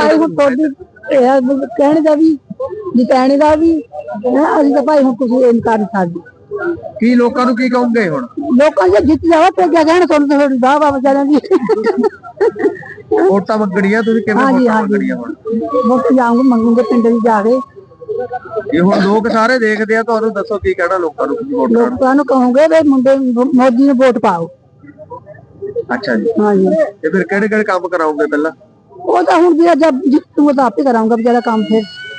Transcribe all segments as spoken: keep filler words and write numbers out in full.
ਭਾਈ ਹੁਣ ਤੁਹਾਡੀ ਕਹਿਣੇ ਦਾ ਵੀ ਜਿਤਾਣੇ ਦਾ ਵੀ ਅਸੀਂ ਤਾਂ ਭਾਈ ਹੁਣ ਕੁਝ ਇਹ ਕਰ ਨਹੀਂ ਸਕਦੇ। ਕੀ ਲੋਕਾਂ ਨੂੰ ਕੀ ਕਹੋਗੇ ਹੁਣ? ਲੋਕਾਂ ਜੇ ਜਿੱਤ ਜਾਵਾ ਤੇ ਕਿਆ ਕਹਿਣ ਤੁਹਾਨੂੰ ਤਾਂ ਥੋੜੀ ਵਾਹ ਵਾਹ ਵਿਚਾਰਿਆਂ ਦੀ ਵੋਟਾਂ ਮੰਗਣੀਆਂ ਤੁਸੀਂ ਕਿਵੇਂ ਵੋਟਾਂ ਮੰਗਣੀਆਂ ਹੁਣ? ਵੋਟ ਜਾਉਂਗੇ ਮੰਗੂਗੇ ਪਿੰਡ ਵਿੱਚ ਜਾ ਕੇ। ਇਹ ਹੁਣ ਲੋਕ ਸਾਰੇ ਦੇਖਦੇ ਆ, ਤੁਹਾਨੂੰ ਦੱਸੋ ਕੀ ਕਹਿਣਾ ਲੋਕਾਂ ਨੂੰ? ਲੋਕਾਂ ਨੂੰ ਕਹੋਗੇ ਵੀ ਮੁੰਡੇ ਮੋਦੀ ਨੂੰ ਵੋਟ ਪਾਓ। ਅੱਛਾ ਜੀ, ਹਾਂਜੀ। ਤੇ ਫਿਰ ਕਿਹੜੇ ਕਿਹੜੇ ਕੰਮ ਕਰਾਉਂਗੇ ਪਹਿਲਾਂ? ਉਹ ਤਾਂ ਹੁਣ ਵੀ ਜਦ ਜਿੱਤੂ ਤਾਂ ਆਪੇ ਕਰਾਉਂਗਾ ਵਿਚਾਰਾ ਕੰਮ। ਫਿਰ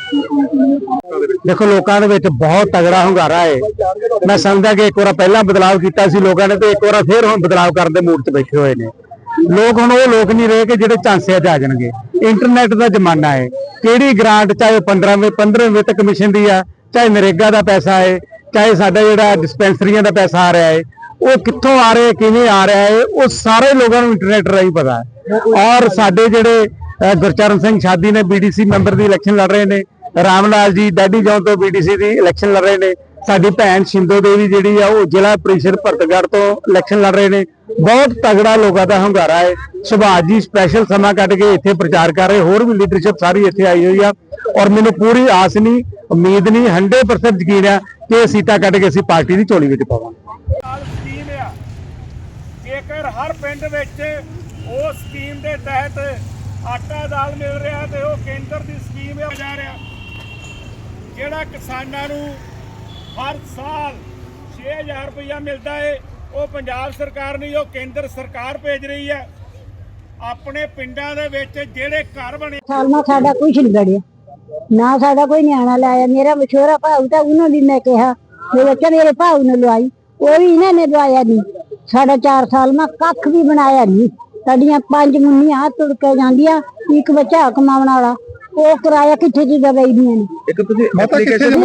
देखो लोगों ਦੇ ਵਿੱਚ ਬਹੁਤ ਤਗੜਾ ਹੁੰਗਾਰਾ ਹੈ। ਮੈਂ ਸਮਝਦਾ ਕਿ ਇੱਕ ਵਾਰ ਪਹਿਲਾਂ ਬਦਲਾਅ ਕੀਤਾ ਸੀ ਲੋਕਾਂ ਨੇ, ਤੇ ਇੱਕ ਵਾਰ ਫਿਰ ਹੁਣ ਬਦਲਾਅ ਕਰਨ ਦੇ ਮੂਡ 'ਚ ਬੈਠੇ ਹੋਏ ਨੇ ਲੋਕ। ਹੁਣ ਉਹ ਲੋਕ ਨਹੀਂ ਰਹੇ ਕਿ ਜਿਹੜੇ ਝਾਂਸੇ 'ਚ ਆ ਜਾਣਗੇ। ਇੰਟਰਨੈਟ ਦਾ ਜ਼ਮਾਨਾ ਹੈ, ਕਿਹੜੀ ਗ੍ਰਾਂਟ ਚਾਹੇ ਪੰਦਰ੍ਹਾਂ ਪੰਦਰ੍ਹਾਂ ਵਿੱਤ ਕਮਿਸ਼ਨ ਦੀ ਆ, ਚਾਹੇ ਨਰੇਗਾ ਦਾ ਪੈਸਾ ਹੈ, ਚਾਹੇ ਸਾਡਾ ਜਿਹੜਾ ਡਿਸਪੈਂਸਰੀਆਂ ਦਾ ਪੈਸਾ ਆ ਰਿਹਾ ਹੈ, ਉਹ ਕਿੱਥੋਂ ਆ ਰਿਹਾ ਕਿਵੇਂ ਆ ਰਿਹਾ ਹੈ, ਉਹ ਸਾਰੇ ਲੋਕਾਂ ਨੂੰ ਇੰਟਰਨੈਟ ਰਾਹੀਂ ਪਤਾ ਹੈ। ਔਰ ਸਾਡੇ ਜਿਹੜੇ ਗੁਰਚਰਨ ਸਿੰਘ ਛਾਦੀ ਨੇ ਬੀਡੀਸੀ ਮੈਂਬਰ ਦੀ ਇਲੈਕਸ਼ਨ ਲੜ ਰਹੇ ਨੇ, ਰਾਮ ਲਾਲ ਜੀ ਡਾਡੀ ਜੌਨ ਤੋਂ ਬੀਡੀਸੀ ਦੀ ਇਲੈਕਸ਼ਨ ਲੜ ਰਹੇ ਨੇ, ਸਾਡੀ ਭੈਣ ਸ਼ਿੰਦੋ ਦੇਵੀ ਜਿਹੜੀ ਆ ਉਹ ਜ਼ਿਲ੍ਹਾ ਪ੍ਰੀਸ਼ਦ ਭਰਤਗੜ੍ਹ ਤੋਂ ਇਲੈਕਸ਼ਨ ਲੜ ਰਹੇ ਨੇ। ਬਹੁਤ ਤਗੜਾ ਲੋਕਾਂ ਦਾ ਹੁੰਗਾਰਾ ਹੈ। ਸੁਭਾਸ਼ ਜੀ ਸਪੈਸ਼ਲ ਸਮਾਂ ਕੱਢ ਕੇ ਇੱਥੇ ਪ੍ਰਚਾਰ ਕਰ ਰਹੇ, ਹੋਰ ਵੀ ਲੀਡਰਸ਼ਿਪ ਸਾਰੀ ਇੱਥੇ ਆਈ ਹੋਈ ਆ। ਔਰ ਮੈਨੂੰ ਪੂਰੀ ਆਸ ਨਹੀਂ, ਉਮੀਦ ਨਹੀਂ, ਹੰਡਰਡ ਪਰਸੈਂਟ ਯਕੀਨ ਆ ਕਿ ਇਹ ਸੀਟਾਂ ਕੱਢ ਕੇ ਅਸੀਂ ਪਾਰਟੀ ਦੀ ਝੋਲੀ ਵਿੱਚ ਪਾਵਾਂਗੇ। ਜੇਕਰ ਹਰ ਪਿੰਡ ਵਿੱਚ ਉਹ ਸਕੀਮ ਦੇ ਤਹਿਤ ਆਟਾ ਦਾਲ ਮਿਲ ਰਿਹਾ ਤੇ ਉਹ ਕੇਂਦਰ ਦੀ ਸਕੀਮ ਹੈ ਜਾ ਰਿਹਾ, ਜਿਹੜਾ ਕਿਸਾਨਾਂ ਨੂੰ ਹਰ ਸਾਲ ਛੇ ਹਜ਼ਾਰ ਰੁਪਇਆ ਮਿਲਦਾ ਹੈ, ਉਹ ਪੰਜਾਬ ਸਰਕਾਰ ਨਹੀਂ, ਉਹ ਕੇਂਦਰ ਸਰਕਾਰ ਭੇਜ ਰਹੀ ਹੈ। ਆਪਣੇ ਪਿੰਡਾਂ ਦੇ ਵਿੱਚ ਜਿਹੜੇ ਘਰ ਬਣੇ ਸਾਲਮਾ ਸਾਡਾ ਕੁਝ ਨਹੀਂ ਬੜਿਆ ਨਾ, ਸਾਡਾ ਕੋਈ ਨਿਆਣਾ ਲਾਇਆ। ਮੇਰਾ ਮਸ਼ਹੂਰਾ ਭਾਊ ਤਾਂ ਉਹਨਾਂ ਦੀ ਮੈਂ ਕਿਹਾ ਮੇਰੇ ਬੱਚਾ ਮੇਰੇ ਭਾਊ ਨੇ ਲਵਾਈ, ਉਹ ਵੀ ਇਹਨਾਂ ਨੇ ਲਵਾਇਆ ਨਹੀਂ। ਸਾਡਾ ਚਾਰ ਸਾਲ ਮੈਂ ਕੱਖ ਵੀ ਬਣਾਇਆ ਨਹੀਂ। ਸਾਡੀਆਂ ਪੰਜ ਮੁੰਨੀਆਂ ਤੁਰ ਕੇ ਜਾਂਦੀਆਂ, ਇੱਕ ਬੱਚਾ ਕਮਾਉਣ ਵਾਲਾ, ਉਹ ਕਿਰਾਇਆ ਕਿੱਥੇ ਦੀ ਦਵਾਈਆਂ ਨੇ। ਇੱਕ ਤੁਸੀਂ ਐਪਲੀਕੇਸ਼ਨ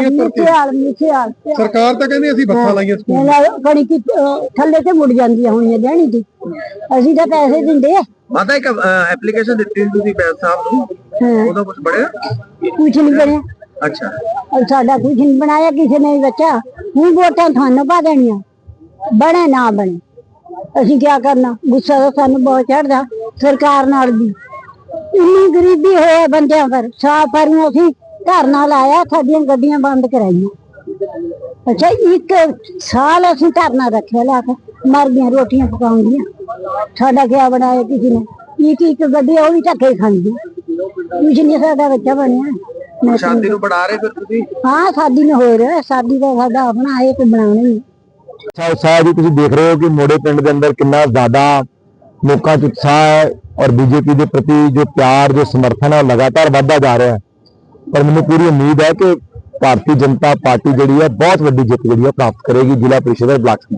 ਸਰਕਾਰ ਤਾਂ ਕਹਿੰਦੀ ਅਸੀਂ ਬੱਸਾਂ ਲਾਈਆਂ ਸਕੂਲ ਕਣੀ ਕਿ ਥੱਲੇ ਤੇ ਮੁੜ ਜਾਂਦੀਆਂ ਹੋਣੀਆਂ ਦੇਣੀ ਦੀ, ਅਸੀਂ ਤਾਂ ਪੈਸੇ ਦਿੰਦੇ ਆ। ਮਾਤਾ ਇੱਕ ਐਪਲੀਕੇਸ਼ਨ ਦਿੱਤੀ ਤੁਸੀਂ ਬੈਂਸ ਸਾਹਿਬ ਨੂੰ, ਉਹਦਾ ਕੁਝ ਬਣਿਆ? ਕੁਝ ਨਹੀਂ ਬਣਿਆ। ਅੱਛਾ, ਸਾਡਾ ਕੁਝ ਨਹੀਂ ਬਣਾਇਆ ਕਿਸੇ ਨੇ ਬੱਚਾ। ਹੁਣ ਵੋਟਾਂ ਤੁਹਾਨੂੰ ਪਾ ਦੇਣੀਆਂ, ਬਣੇ ਨਾ ਬਣੇ ਅਸੀਂ ਕੀ ਕਰਨਾ। ਗੁੱਸਾ ਤਾਂ ਸਾਨੂੰ ਬਹੁਤ ਚੜਦਾ ਸਰਕਾਰ ਨਾਲ ਵੀ। ਇੰਨੀ ਗਰੀਬੀ ਹੋਏ ਬੰਦਿਆਂ ਪਰ, ਸਾਫ ਪਰ ਅਸੀਂ ਘਰ ਨਾਲ ਲਾਇਆ, ਸਾਡੀਆਂ ਗੱਡੀਆਂ ਬੰਦ ਕਰਾਈਆਂ। ਅੱਛਾ, ਇੱਕ ਸਾਲ ਅਸੀਂ ਧਰਨਾ ਰੱਖਿਆ, ਲਾ ਕੇ ਮਰ ਗਈਆਂ ਰੋਟੀਆਂ ਪਕਾਉਂਦੀਆਂ। ਸਾਡਾ ਕਿਆ ਬਣਾਇਆ ਕਿਸੇ ਨੇ? ਇੱਕ ਇੱਕ ਗੱਡੀ ਉਹ ਵੀ ਧੱਕੇ ਖਾਂਦੀ, ਕੁਝ ਨਹੀਂ ਸਾਡਾ ਬੱਚਾ ਬਣਿਆ। ਸ਼ਾਦੀ ਨੂੰ ਬਣਾ ਰਹੇ ਫਿਰ ਤੁਸੀਂ? ਹਾਂ, ਸ਼ਾਦੀ ਨੂੰ ਹੋ ਰਿਹਾ, ਸ਼ਾਦੀ ਦਾ ਸਾਡਾ ਆਪਣਾ ਹੈ ਕਿ ਬਣਾਉਣਾ ਹੀ। उत्साह जी तुम देख रहे हो कि मोड़े पिंड के अंदर कितना ज्यादा लोगों च उत्साह है और बीजेपी के प्रति जो प्यार जो समर्थन है लगातार बढ़ता जा रहा है। पर मैंने पूरी उम्मीद है कि भारतीय जनता पार्टी जी है बहुत वड्डी जित जी है प्राप्त करेगी जिला परिषद और ब्लॉक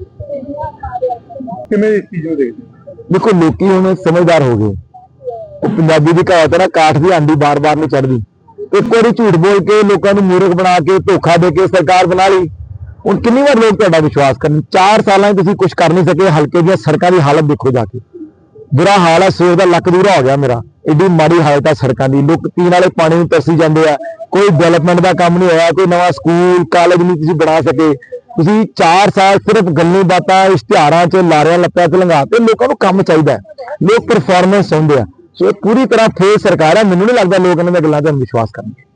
समिति। देखो लोग हुण समझदार हो गए। पंजाबी की कहावत है ना, काठ की आंधी बार बार नहीं चढ़ती। एक बार झूठ बोल के लोगों को मूर्ख बना के धोखा दे के सरकार बना ली। ਹੁਣ ਕਿੰਨੀ ਵਾਰ ਲੋਕ ਤੁਹਾਡਾ ਵਿਸ਼ਵਾਸ ਕਰਨ? ਚਾਰ ਸਾਲਾਂ 'ਚ ਤੁਸੀਂ ਕੁਝ ਕਰ ਨਹੀਂ ਸਕੇ। ਹਲਕੇ ਦੀਆਂ ਸੜਕਾਂ ਦੀ ਹਾਲਤ ਦੇਖੋ ਜਾ ਕੇ, ਬੁਰਾ ਹਾਲ ਹੈ। ਸਵੇਰ ਦਾ ਲੱਕ ਦੂਰਾ ਹੋ ਗਿਆ ਮੇਰਾ, ਏਡੀ ਮਾੜੀ ਹਾਲਤ ਹੈ ਸੜਕਾਂ ਦੀ। ਲੋਕ ਪੀਣ ਵਾਲੇ ਪਾਣੀ ਨੂੰ ਤਰਸੀ ਜਾਂਦੇ ਆ। ਕੋਈ ਡਿਵੈਲਪਮੈਂਟ ਦਾ ਕੰਮ ਨਹੀਂ ਹੋਇਆ, ਕੋਈ ਨਵਾਂ ਸਕੂਲ ਕਾਲਜ ਨਹੀਂ ਤੁਸੀਂ ਬਣਾ ਸਕੇ। ਤੁਸੀਂ ਚਾਰ ਸਾਲ ਸਿਰਫ ਗੱਲਾਂ ਬਾਤਾਂ ਇਸ਼ਤਿਹਾਰਾਂ 'ਚ ਲਾਰਿਆਂ ਲੱਪਿਆਂ 'ਚ ਲੰਘਾ ਤੇ ਲੋਕਾਂ ਨੂੰ ਕੰਮ ਚਾਹੀਦਾ। ਲੋਕ ਪਰਫਾਰਮੈਂਸ ਚਾਹੁੰਦੇ ਆ। ਸੋ ਇਹ ਪੂਰੀ ਤਰ੍ਹਾਂ ਫੇਲ ਸਰਕਾਰ ਹੈ। ਮੈਨੂੰ ਨਹੀਂ ਲੱਗਦਾ ਲੋਕ ਇਹਨਾਂ ਦੀਆਂ ਗੱਲਾਂ 'ਤੇ ਵਿਸ਼ਵਾਸ ਕਰਨਗੇ।